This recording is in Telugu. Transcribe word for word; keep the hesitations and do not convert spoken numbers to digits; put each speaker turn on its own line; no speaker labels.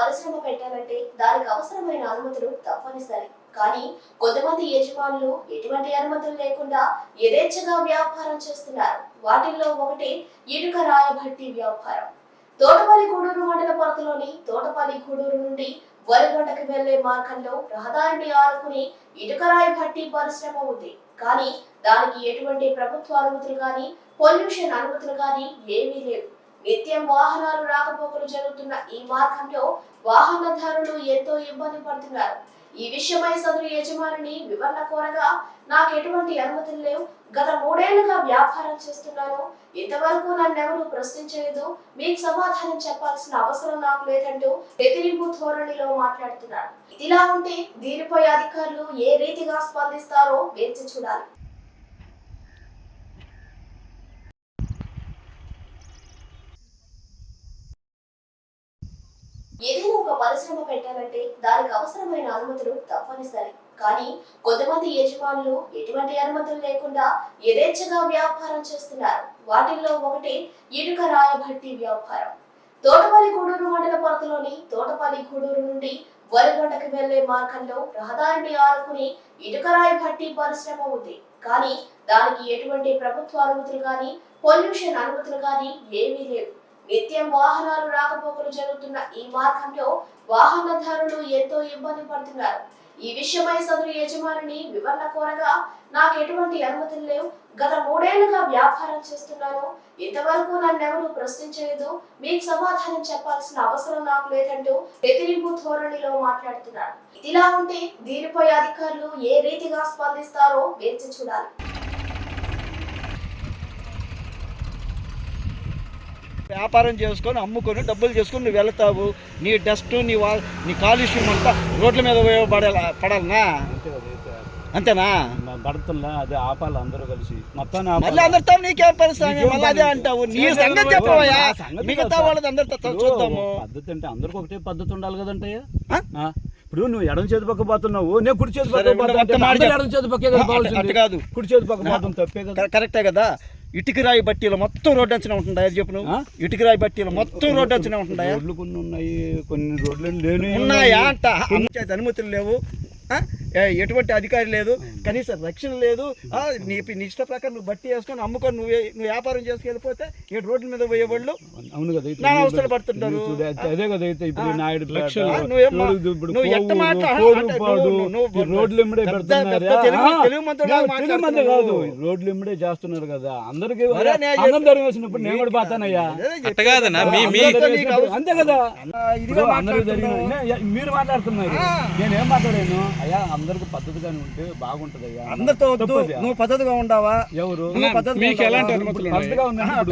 పరిశ్రమ పెట్టాలంటే దానికి అవసరమైన అనుమతులు తప్పనిసరి. కానీ కొంతమంది యజమానులు ఎటువంటి అనుమతులు లేకుండా యథేచ్ఛగా వ్యాపారం చేస్తున్నారు. వాటిల్లో ఒకటి ఇటుక రాయ భట్టి వ్యాపారం. తోటపల్లి గూడూరు మండల పరిధిలోని తోటపల్లి గూడూరు నుండి వరిగొండకి వెళ్లే మార్గంలో రహదారిని ఆనుకుని ఇటుకరాయి భట్టి పరిశ్రమ ఉంది. కానీ దానికి ఎటువంటి ప్రభుత్వ అనుమతులు కానీ పొల్యూషన్ అనుమతులు కానీ ఏమీ లేవు. నిత్యం వాహనాలు రాకపోకలు జరుగుతున్న ఈ మార్గంలో వాహనదారులు ఎంతో ఇబ్బంది పడుతున్నారు. ఈ విషయమై సదరు యజమానిని వివరణ కోరగా నాకు ఎటువంటి అనుమతులు లేవు, గత మూడేళ్లుగా వ్యాపారం చేస్తున్నాను, ఇంతవరకు నన్నెవరూ ప్రశ్నించలేదు, మీకు సమాధానం చెప్పాల్సిన అవసరం నాకు లేదంటూ బెదిరింపు ధోరణిలో మాట్లాడుతున్నారు. ఇదిలా ఉంటే దీనిపై అధికారులు ఏ రీతిగా స్పందిస్తారో వేచి చూడాలి. ఏదైనా ఒక పరిశ్రమ పెట్టాలంటే దానికి అవసరమైన అనుమతులు తప్పనిసరి. కానీ కొంతమంది యజమానులు ఎటువంటి అనుమతులు లేకుండా యథేచ్ఛగా వ్యాపారం చేస్తున్నారు. వాటిల్లో ఒకటి ఇటుక రాయ భట్టి వ్యాపారం. తోటపల్లి గూడూరు మండల పరిధిలోని తోటపల్లి గూడూరు నుండి వరిగొండకి వెళ్లే మార్గంలో రహదారిని ఆనుకుని ఇటుకరాయి భట్టి పరిశ్రమ ఉంది. కానీ దానికి ఎటువంటి ప్రభుత్వ అనుమతులు కానీ పొల్యూషన్ అనుమతులు కానీ ఏమీ లేవు. నిత్యం వాహనాలు రాకపోకలు జరుగుతున్న ఈ మార్గంలో వాహనదారులు ఎంతో ఇబ్బంది పడుతున్నారు. ఈ విషయమై సదరు యజమానిని వివరణ కోరగా నాకు ఎటువంటి అనుమతులు లేవు, గత మూడేళ్లుగా వ్యాపారం చేస్తున్నాను, ఇంతవరకు నన్నెవరూ ప్రశ్నించలేదు, మీకు సమాధానం చెప్పాల్సిన అవసరం నాకు లేదంటూ బెదిరింపు ధోరణిలో మాట్లాడుతున్నారు. ఇదిలా ఉంటే దీనిపై అధికారులు ఏ రీతిగా స్పందిస్తారో వేచి చూడాలి.
వ్యాపారం చేసుకొని అమ్ముకొని డబ్బులు చేసుకొని నువ్వు వెళ్తావు. నీ డస్ట్ నీ వా నీ కాలుష్యం అంతా రోడ్ల మీద పడాల పడాలనా? అంతేనా?
పడుతున్నా అదే ఆపాలి అందరూ కలిసి మొత్తం.
మళ్ళీ అందరితో నీకేం పరిస్థితి? మళ్ళీ అదే అంటావు. నీ సంగతి చెప్పవయ్యా, మిగతా వాళ్ళది అందరితో చూద్దాము.
పద్ధతి అంటే అందరికి ఒకటే పద్ధతి ఉండాలి కదంటయ్యా. ఇప్పుడు నువ్వు ఎడం చేతి పక్క పోతున్నావు, నేను కుడి చేతి పక్క ఎడం చేతి పక్కే కాదు, కుడి చేతి పక్క పోతాం తప్పే కదా.
కరెక్టే కదా. ఇటుకరాయి బట్టీలు మొత్తం రోడ్డు అంచనా ఉంటుందా? చెప్పు నువ్వు. ఇటుకరాయి బట్టీలు మొత్తం రోడ్డు అంచనా ఉంటుందా?
రోడ్లు కొన్ని ఉన్నాయి, కొన్ని రోడ్లు లేని
ఉన్నాయా అంట. అనుమతులు లేవు, ఎటువంటి అధికారి లేదు, కనీసం రక్షణ లేదు. నీ నీ ఇష్ట ప్రకారం నువ్వు బట్టి వేసుకొని అమ్ముకొని నువ్వు నువ్వు వ్యాపారం చేసుకెళ్ళిపోతే ఈ రోడ్ల మీద పోయేవాళ్ళు
అవును కదా
నా అవస్థలు పడుతుంటారు.
అదే కదా. అయితే ఇప్పుడు నాయుడు రోడ్లు ఇమ్మడే పెడుతున్నారు కాదు, రోడ్లు ఇమ్మడే చేస్తున్నారు కదా. అందరికి అందరం ధర వేసినప్పుడు నేను కూడా పోతానయ్యా. అంతే కదా. అందరూ జరిగిన మీరు మాట్లాడుతున్నారు, నేనేం మాట్లాడాను అయ్యా. అందరికి పద్ధతిగానే ఉంటే బాగుంటది అయ్యా.
అందరితో నువ్వు పద్ధతిగా ఉండవా?
ఎవరు
పద్ధతిగా
పద్ధతిగా ఉన్నా